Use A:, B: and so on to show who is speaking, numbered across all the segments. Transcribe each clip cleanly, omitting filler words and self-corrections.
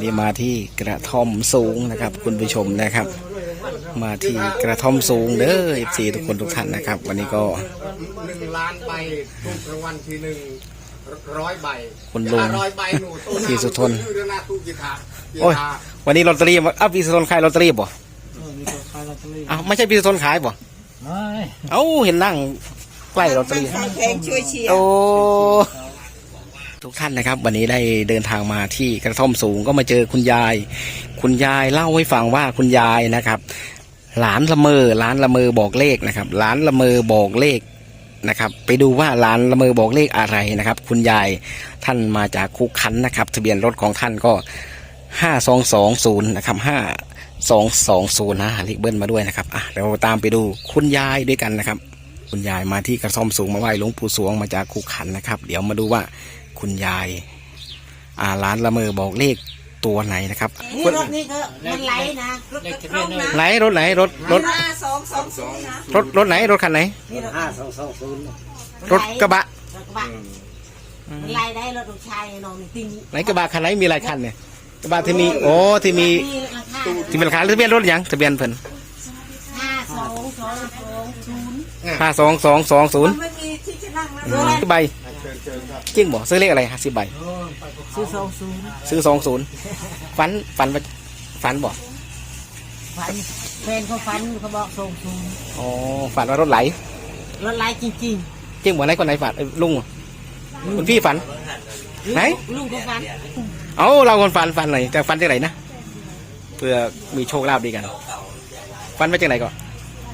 A: นี้มาที่กระท่อมสูงนะครับคุณผู้ชมนะครับมาที่กระท่อมสูงเด้อ14ทุกคนทุกท่านนะครับวันนี้ก็
B: 1,000,000 ใบถูกรางวัลที่100 ใบ
A: คุณลุงพี่สุทน
B: โอ้ย
A: วันนี้ลอตเตอรี่พี่สุทนขายลอตเตอรี่บ่ไม่ใช่พี่สุทนขายบ่เอ้าเห็นนั่งใกล้ลอตเตอรี่โอ้ทุกท่านนะครับวันนี้ได้เดินทางมาที่กระท่อมสูงก็มาเจอคุณยายเล่าให้ฟังว่าคุณยายนะครับหลานละเมอบอกเลขนะครับหลานละเมอบอกเลขนะครับไปดูว่าหลานละเมอบอกเลขอะไรนะครับคุณยายท่านมาจากคุกคันนะครับทะเบียนรถของท่านก็5220นะครับ5220นะเลขเบิ้ลมาด้วยนะครับเราตามไปดูคุณยายด้วยกันนะครับคุณยายมาที่กระท่อมสูงมาไหว้หลวงปู่สวงมาจากคุกคันนะครับเดี๋ยวมาดูว่าคุณยายร้านละเมอบอกเลขตัวไหนนะครับ
C: นี่รถนี่ก็มันไหลนะรถกระท่อมนะ
A: ไหลรถไหนรถ
C: 5220นะ
A: รถไหนรถคันไหน
B: 5220
A: รถกระบะ
C: มันไหลได้รถลูกชายน้องติง
A: ไหนกระบะคันไหนมีหลายคันเนี่ยกระบะที่มีที่มีเป็นราคาทะเบียนรถยังทะเบียนเพิ่น
C: 5220มันไม่มีที่จะนั่งแล้ว
A: ใบจริงบ่ซื้อเลขอะไร50 ใบ
C: ซื้อ
A: 20ฝันบ่
C: ฝันแฟนเขาฝันเขาบอก
A: ฝันว่ารถไหล
C: จริง
A: จริงบ่ไหนคนไหนฝันลุงคุณพี่ฝันไหน
C: ลุงเขาฝัน
A: เราคนฝันหน่อยแต่ฝันจากไหนนะเพื่อมีโชคลาภดีกันฝันมาจากไหนก่อน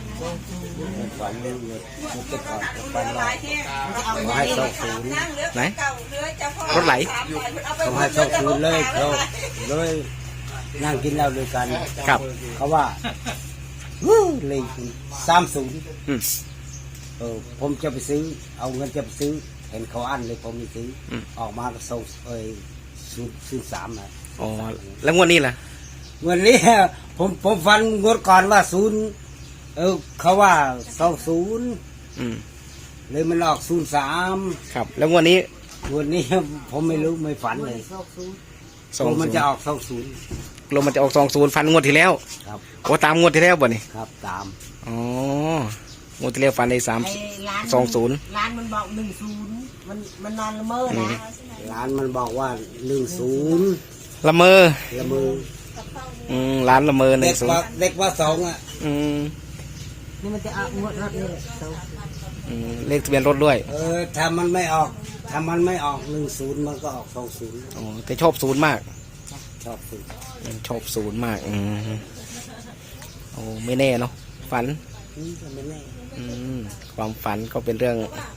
A: ไหนรถไหล
B: เขาให้20เลยเขาเลยนั่งกินเหล้าด้วยกัน
A: ครับ
B: เขาว่าเลย30ผมจะไปซื้อเอาเงินจะไปซื้อเห็นเขาอั้นเลยผมไม่ซื้อออกมาก็ส่ง03นะ
A: แล้วงวดนี้ล่ะ
B: งวดนี้ผมฟันงวดก่อนว่าเขาว่า20เลยมันออก03
A: ครับแล้วงวดนี้
B: ผมไม่รู้ไม่ฝันเลยมันจะออก20
A: ลมมันจะออก20ฝันงวดที่แล้ว
B: ครับ
A: ตามงวดที่แล้วบ่นี่
B: ครับตาม
A: งวดที่แล้วฝันได้20
C: ร้านมันบอก10มันนอนละเมอนะ
B: ร้านมันบอกว่า10
A: ละเมอร้านละเมอ
B: 10เด็กว่า2
C: นี่มันจะเอางวดรถนี่
A: เลขทะเบียนรถด้วย
B: ถ้ามันไม่ออก10มันก็ออก20
A: แต่ชอบ0มาก
B: ชอบ
A: 0มากไม่แน่เนาะฝัน
B: ไม่แน่
A: ความฝันก็เป็นเรื่อง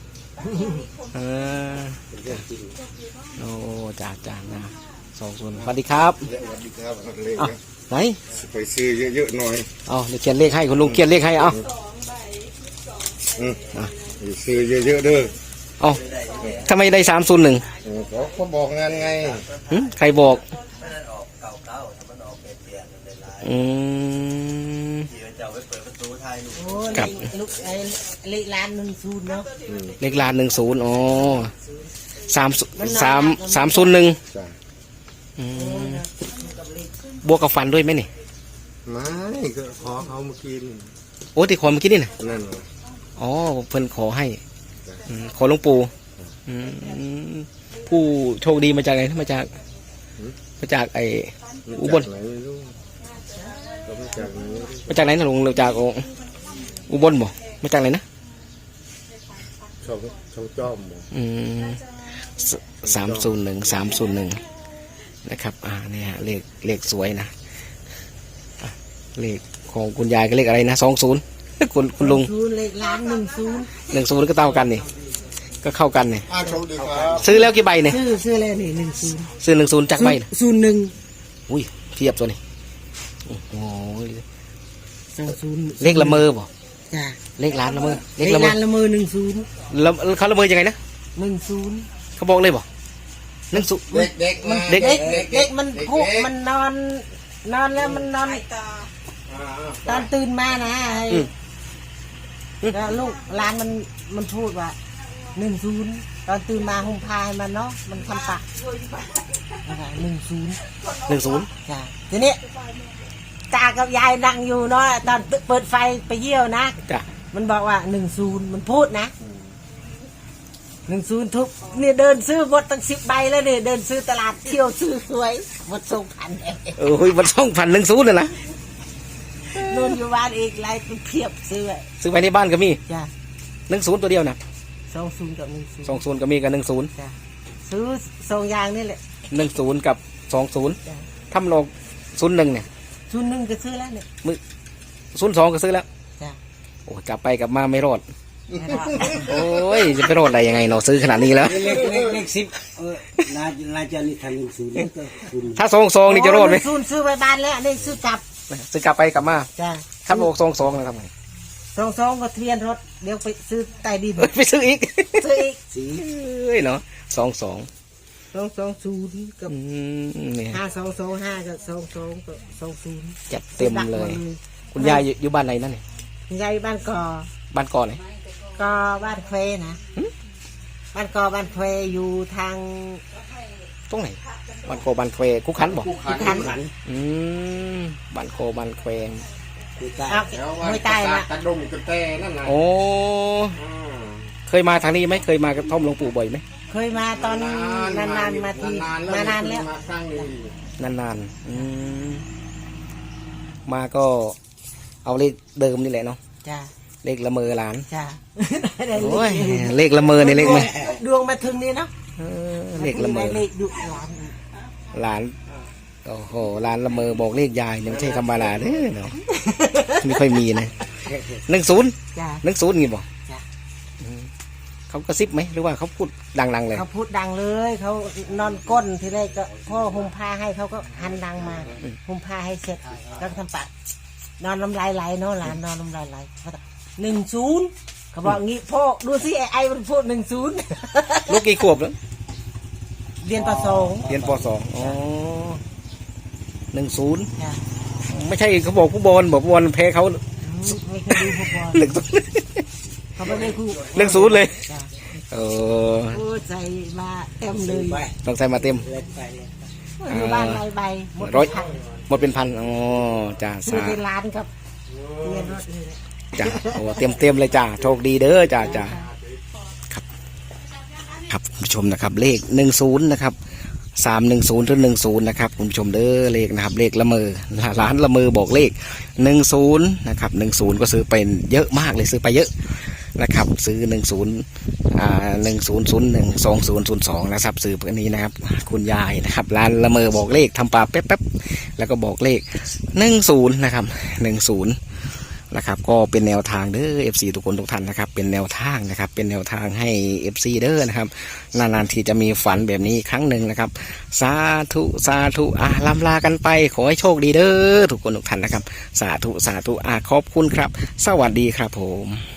B: จริง
A: จ่านะ20สวัสดีครับไหน
B: ไปซื้อเยอะๆหน่อย
A: เดี๋ยวเขียนเลขให้คุณลุงเขียนเลขให้
B: ซื้อเยอะๆเด้อ
A: ทำไมได้301
B: เขาบอกงานไง
A: ใครบอก
C: กับเลขล้าน10เนาะ
A: เลขล้าน10301บวกกับฟันด้วยไหมนี่
B: ไม่ก็ขอเขาเมื่อกี้
A: ที่ขอเมื่อกี้นี่นะ
B: นั่น
A: เพิ่นขอให้ขอหลวงปู่ผู้โชคดีมาจากไหนมาจากไอ้อุบลมาจากไหนนะลุงจากอุบลบ่มาจากไหนนะ
B: ช่องจอม
A: 301นะครับเนี่ยเลขสวยนะเลขของคุณยายก็เลขอะไรนะ20คุณลุง
C: เลขล้าน
A: 10ก็เท่ากันนี่ก็เข้ากันนี่ซื้อแล้วกี่ใบเนี่ย
C: ซื้อแล้วนี่
A: ซื้อ10จากใบ
C: 01
A: อุ้ยเทียบตัวนี้เลขละเมอบ่
C: จ้ะ
A: เลขล้านละเมอ
C: เลขล้านละเมอ
A: 10แล้วเขาละเมอยังไงนะ
C: 10
A: เขาบอกเลยบ่
B: เ
C: ด็กมันพุกมันนอนแล้วมันนอนตอนตื่นมานะแล้วลูกหลานมันพูดว่า10 ตอนตื่นมาห่มผ้าให้มันเนาะมันทำปะ10
A: 10
C: จ้ะทีนี้ตากับยายนั่งอยู่เนาะตอนเปิดไฟไปเยี่ยวนะ
A: จ้ะ
C: มันบอกว่า10มันพูดนะ10ทุกเนี่ยเดินซื้อหมดตั้ง10 ใบแล้วเนี่ยเดินซื้อตลาดเที่ยวซื้อสวยหมด2,000เอง
A: มัน2,110เลยนะ
C: นู่นอยู่บ้านอีกไรเพียบซื้อ
A: ซื้อไปในบ้านก็มี
C: จ้ะ
A: 10ตัวเดียวนะ
C: 20กับ10
A: 20ก็มีกับ10
C: จ้ะซื้อ2อย่างนี่แหละ
A: 10กับ20
C: จ้ะ
A: ทำโลก01เนี่ย
C: 01ก็ซื้อแล้วเนี่ย
A: 02ก็ซื้อแล้ว
C: จ้ะ
A: โอ้จับไปกับมาไม่รอด
C: ไม่รอด
A: โอ้ยจะไปรอดได้ยังไงเนาะซื้อขนาดนี้แล้ว
B: เลข10น่าจะนี่ทาง10แล้วก็คุณ
A: ถ้า22นี่จะรอดไหม
C: 10ซื้อไปบ้านแล้วนี่ซื้อกลับ
A: ซื้อกลับไปกลับมา
C: จ้ะ
A: ถ้าโลก22นะครับ
C: 22ก็ทะเบียนรถเดี๋ยวไปซื้อใต้ดิน
A: ไปซื้ออีก
C: ซื้ออีก
B: สี
A: เอ้ยเนาะ22
C: 220กับ
A: นี่
C: 5225กับ22กับ20
A: จัดเต็มเลย คุณยายอยู่บ้านไหนนั่นเนี่ย
C: ยายบ้านกอ
A: บ้านก่อนไหน
C: ก็บ้านเควนะบ้านกอบ้านเควอยู่ทาง
A: ตรงไหนบ้านโคบ้านแควคุกขันบอก
B: ขัน
A: บ้านโคบ้านแคว
B: คือตา
C: ห้วยใต้นะ
D: กระดมกระแตนั่นน่ะ
A: โอ้เคยมาทางนี้ไหมเคยมากระท่อมหลวงปู่บ่อยไหม
C: เคยมาตอนนานๆมาทีมานานแล้ว
D: มาครั้งหนึง
A: นานมาก็เอาเลขเดิมนี่แหละเนาะ
C: จ้า
A: เลขละเมอหลาน
C: จ้า
A: โอ้ยเลขละเมอในเลขไหม
C: ดวงมาถึงนี่เนาะ
A: เลขละเมอ
C: เลขดุร้อน
A: หลานโอ้โหหลานละเมอบอกเลขยายเนี่ยไม่ใช่ธรรมดาเด้อเนาะไม่ค่อยมีนะ10
C: จ้า
A: งี้บอก
C: จ้า
A: เขากระซิบไหมหรือว่าเขาพูดดังๆเลย
C: เขาพูดดังเลยเขานอนก้นทีแรกก็พ่อห่มผ้าให้เขาก็หันดังมาห่มผ้าให้เสร็จก็ทำปากนอนน้ำลายไหลเนาะหลานนอนน้ำลายไหล10เขาบอกงี้พ่อดูสิไอ้มันพูด10
A: ลูกกี่ขวบแล้ว
C: เรียนประสงค์
A: เรียนป .2 อ๋อ10
C: จ้า
A: ไม่ใช่เขาบอกผู้บอลบอกผู้บอลแพ้เขา
C: ไม่เคยดูฟุตบอล
A: 10
C: เขาไม่ได้คู่
A: 10เลย
C: จ้า
A: เออ
C: โอ้ใจมาเต็มเลย
B: ไป
A: ต้องใส่มาเต็ม
B: เล่นไปเลย
C: อยู่บ้านไรใบหมด
A: ร้อย
C: พัน
A: หมดเป็นพันอ๋อจ้า
C: ซื้อ
A: สา
C: เป็นล้านครับเรียนรถเลย
A: จ้าโอ้เต็มเลยจ้าโชคดีเด้อจ้าครับคุณผู้ชมนะครับ เลข10นะครับ310หรือ10นะครับคุณผู้ชมเด้อเลขนะครับ เลขละเมอร้านละเมอบอกเลข10นะครับ10ก็ซื้อเป็นเยอะมากเลยซื้อไปเยอะนะครับซื้อ100120012002นะครับซื้อเพื่อนนี้นะครับคุณยายนะครับร้านละเมอบอกเลขทำปลาแป๊บๆแล้วก็บอกเลข10นะครับ10นะครับก็เป็นแนวทางเด้อ FC ทุกคนทุกท่านนะครับเป็นแนวทางนะครับเป็นแนวทางให้ FC เด้อนะครับนานๆทีจะมีฝันแบบนี้ครั้งหนึ่งนะครับสาธุลำลากันไปขอให้โชคดีเด้อทุกคนทุกท่านนะครับสาธุขอบคุณครับสวัสดีครับผม